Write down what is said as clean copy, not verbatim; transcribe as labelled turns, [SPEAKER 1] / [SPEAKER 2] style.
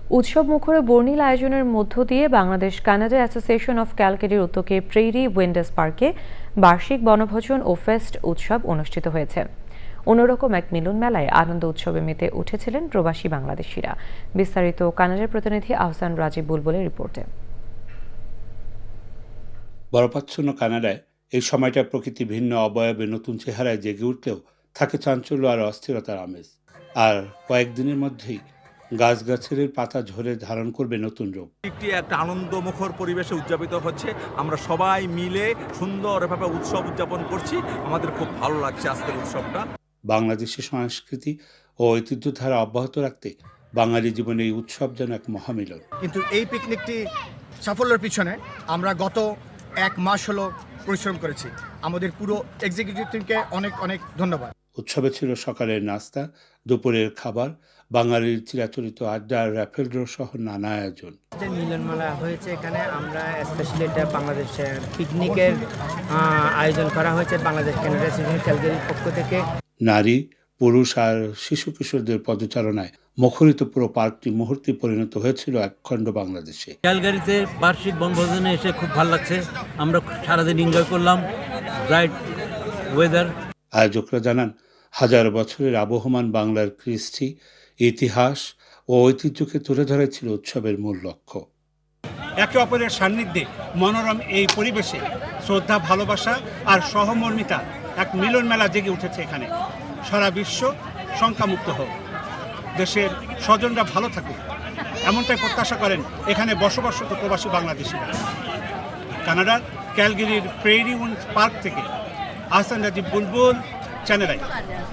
[SPEAKER 1] উৎসব মুখর বর্ণিল আয়োজনের মধ্য দিয়ে বাংলাদেশ কানাডা অ্যাসোসিয়েশন অফ ক্যালকারির উদ্যোগে প্রেরি উইন্ডার্স পার্কে বার্ষিক বনভোজন ও ফেস্ট উৎসব অনুষ্ঠিত হয়েছে। অন্যরকম এক মিলন মেলায় আনন্দ উৎসবে মেতে উঠেছিলেন প্রবাসী বাংলাদেশিরা। বিস্তারিত কানাডার প্রতিনিধি আহসান রাজীব বুলবুলের রিপোর্টে।
[SPEAKER 2] বরফাচ্ছন্ন কানাডায় এই সময়টা প্রকৃতি ভিন্ন অবয়বে নতুন চেহারায় জেগে উঠলেও থাকে চাঞ্চল্য আর অস্থিরতার আমেজ। আর কয়েকদিনের মধ্যেই গাছগাছের পাতা ঝরে ধারণ করবে নতুন রূপ।
[SPEAKER 3] একটি একটা আনন্দমুখর পরিবেশে উদযাপিত হচ্ছে। আমরা সবাই মিলে সুন্দরভাবে উৎসব উদযাপন করছি। আমাদের খুব ভালো লাগছে আজকের উৎসবটা।
[SPEAKER 2] বাংলাদেশের সংস্কৃতি ও ঐতিহ্যধারা অব্যাহত রাখতে বাঙালি জীবনে এই উৎসব যেন এক মহামিলন।
[SPEAKER 4] কিন্তু এই পিকনিকটি সাফল্যের পিছনে আমরা গত 1 মাস হলো পরিশ্রম করেছি। আমাদের পুরো এক্সিকিউটিভ টিমকে অনেক অনেক ধন্যবাদ।
[SPEAKER 2] উৎসবে ছিল সকালের নাস্তা, দুপুরের খাবার, বাঙালির চিরাচরিত আড্ডা, র্যাফেল ড্র সহ নানা আয়োজন।
[SPEAKER 5] যে মিলনমেলা হয়েছে এখানে আমরা স্পেশালি এটা বাংলাদেশের পিকনিকের আয়োজন করা হয়েছে বাংলাদেশ কানাডা অ্যাসোসিয়েশন ক্যালগারির পক্ষ থেকে।
[SPEAKER 2] নারী, পুরুষ আর শিশু কিশোরদের পদচারণায় মুখরিত পুরো পার্কটি মুহূর্তে পরিণত হয়েছিল একখণ্ড বাংলাদেশে।
[SPEAKER 6] ক্যালগারিতে বার্ষিক বনভোজনে এসে খুব ভালো লাগছে। আমরা সারাদিন এনজয় করলাম, ব্রাইট ওয়েদার।
[SPEAKER 2] আয়োজকরা জানান, হাজার বছরের আবহমান বাংলার কৃষ্টি, ইতিহাস ও ঐতিহ্যকে তুলে ধরে ছিল উৎসবের মূল লক্ষ্য।
[SPEAKER 7] একে অপরের সান্নিধ্যে মনোরম এই পরিবেশে শ্রদ্ধা, ভালোবাসা আর সহমর্মিতা এক মিলন মেলা জেগে উঠেছে এখানে। সারা বিশ্ব শঙ্কামুক্ত হোক, দেশের স্বজনরা ভালো থাকুক, এমনটাই প্রত্যাশা করেন এখানে বসবাসরত প্রবাসী বাংলাদেশিরা। কানাডার ক্যালগারির প্রেরি উইন্ডার্স পার্ক থেকে আহসান রাজীব বুলবুল, চ্যানেল আই।